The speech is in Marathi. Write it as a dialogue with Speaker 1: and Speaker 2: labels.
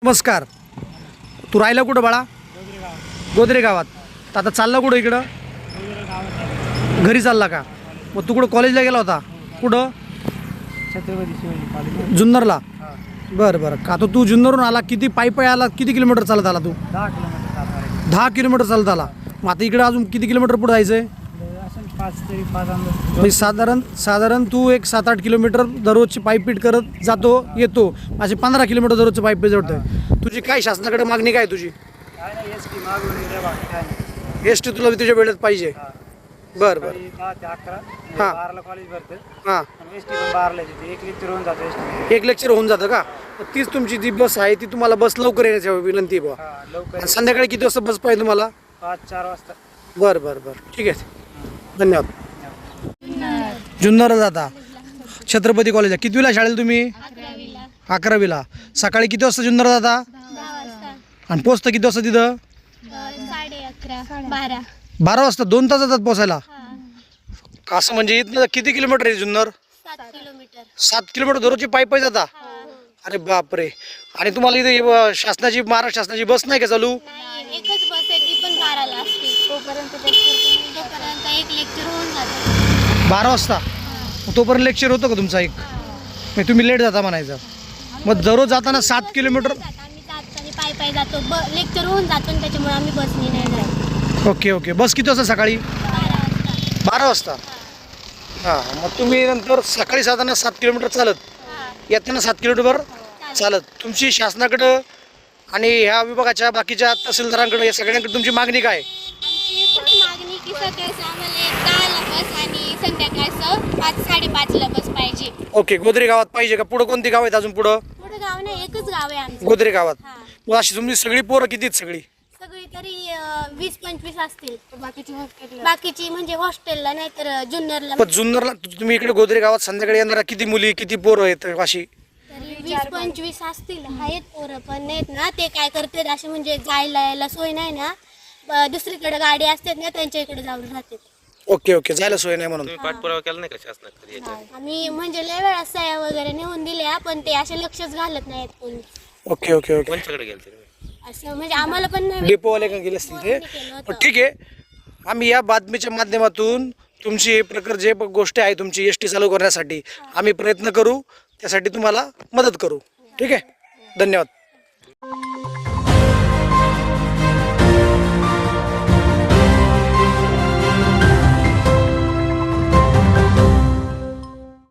Speaker 1: नमस्कार. तू राहिला कुठं बाळा? गोदरे गावात. तर आता चालला कुठं इकडं? घरी चालला का? मग तू कुठं कॉलेजला गेला होता? कुठं?
Speaker 2: छत्रपती शिवाजी कॉलेज
Speaker 1: जुन्नरला. बरं बरं. का तो तू जुन्नरहून आला? किती पायी आला? किती किलोमीटर चालत आला तू?
Speaker 2: 10 किलोमीटर
Speaker 1: 10 किलोमीटर चालत आला. मग आता इकडे अजून किती किलोमीटर पुढे जायचं आहे?
Speaker 2: असं 5
Speaker 1: म्हणजे साधारण तू एक 7-8 किलोमीटर दररोजची पायपीट करत जातो येतो. असे 15 किलोमीटर दररोजचं पायपीट जोडतोय. तुझी काय शासनाकडे मागणी काय तुझी?
Speaker 2: काय नाही एसटी मागवली बाकी काय नाही.
Speaker 1: एस टी तुला तुझ्या वेळेत पाहिजे. बरं बरं.
Speaker 2: 10 ते 11
Speaker 1: हां.
Speaker 2: 12ला कॉलेज भरतं
Speaker 1: हां.
Speaker 2: आणि एसटी पण 12ला येते. एक लेक्चर होऊन जातं एसटी.
Speaker 1: एक लेक्चर होऊन जातं का? मग तीच तुमची जी बस आहे ती तुम्हाला बस लवकर येण्याची विनंती आहे बुवा.
Speaker 2: हां लवकर
Speaker 1: आणि संध्याकाळी किती वाजता बस पाहिजे तुम्हाला?
Speaker 2: 5-4 वाजता.
Speaker 1: बरं बरं बरं. ठीक आहे. धन्यवाद. जुन्नर जाता छत्रपती कॉलेजला. कितवीला शाळेला तुम्ही? 11वीला. सकाळी किती वाजता जुन्नर जाता?
Speaker 3: 10 वाजता.
Speaker 1: आणि पोचता किती वाजता तिथं?
Speaker 3: 11:30
Speaker 1: 12 वाजता. 2 तास जातात पोचायला. असं म्हणजे इथनं किती किलोमीटर आहे जुन्नर?
Speaker 3: 7 किलोमीटर.
Speaker 1: 7 किलोमीटर दररोजची पायी जाता? अरे बापरे. आणि तुम्हाला इथे शासनाची महाराष्ट्र शासनाची बस नाही का चालू?
Speaker 3: नाही, एकच बस आहे, ती पण 12ला असते. तोपर्यंत एक लेक्चर होऊन जातं.
Speaker 1: 12 वाजता. मग तोपर्यंत लेक्चर होतं का तुमचा एक? मग तुम्ही लेट जाता म्हणायचं. मग दररोज जाताना 7 किलोमीटर.
Speaker 3: आम्ही जाताना पायी जातो. लेक्चर होऊन जातो आणि त्याच्यामुळे आम्ही बसने नाही जात.
Speaker 1: Okay okay. बस किती वाजता सकाळी?
Speaker 3: 12 वाजता.
Speaker 1: 12 वाजता. हां. मग तुम्ही नंतर सकाळी जाताना 7 किलोमीटर चालत, येताना 7 किलोमीटर चालत. तुमची शासनाकडं आणि ह्या विभागाच्या बाकीच्या तहसीलदारांकडे या सगळ्यांकडे तुमची मागणी काय?
Speaker 3: आमची एकच मागणी की सकाळचं आम्हाला 10ला बस आणि संध्याकाळचं 5-5:30ला बस पाहिजे.
Speaker 1: ओके. गोदरे गावात पाहिजे का? पुढं कोणती गाव आहेत अजून पुढं?
Speaker 3: पुढं गाव नाही, एकच गाव आहे आमचं.
Speaker 1: गोदरे गावात.
Speaker 3: हां.
Speaker 1: मग अशी तुमची सगळी पोरं किती आहेत सगळी?
Speaker 3: सगळी तरी 20-25 असतील. बाकीची म्हणजे हॉस्टेलला नाही तर जुन्नरला.
Speaker 1: पण जुन्नरला तुम्ही इकडे गोदरे गावात संध्याकाळी येणारा किती मुली किती पोरं आहेत अशी?
Speaker 3: तरी 20-25 असतील. आहेत पोरं पण नाहीत ना. ते काय करतात असे म्हणजे जायला यायला सोय नाही ना. दुसरीकडे गाडी असतात ना, त्यांच्या इकडे जाऊन राहतात.
Speaker 1: Okay okay. जायला सोय नाही म्हणून.
Speaker 4: पाठपुरावा केला नाही का शासनाकडे याच्यावर?
Speaker 3: आम्ही म्हणजे लय वेळा सह्या वगैरे नेऊन दिल्या पण ते असे लक्षच घालत नाहीत कोणी.
Speaker 1: Okay okay okay.
Speaker 4: कोणच्याकडे गेले तुम्ही?
Speaker 3: असं म्हणजे आम्हाला पण नाही.
Speaker 1: डेपोवाले का गेले असतील ते. पण ठीक आहे. आम्ही या बातमीच्या माध्यमातून तुमची हे प्रकार जे गोष्ट आहे तुमची एस टी चालू करण्यासाठी आम्ही प्रयत्न करू. त्यासाठी तुम्हाला मदत करू. ठीक आहे. धन्यवाद.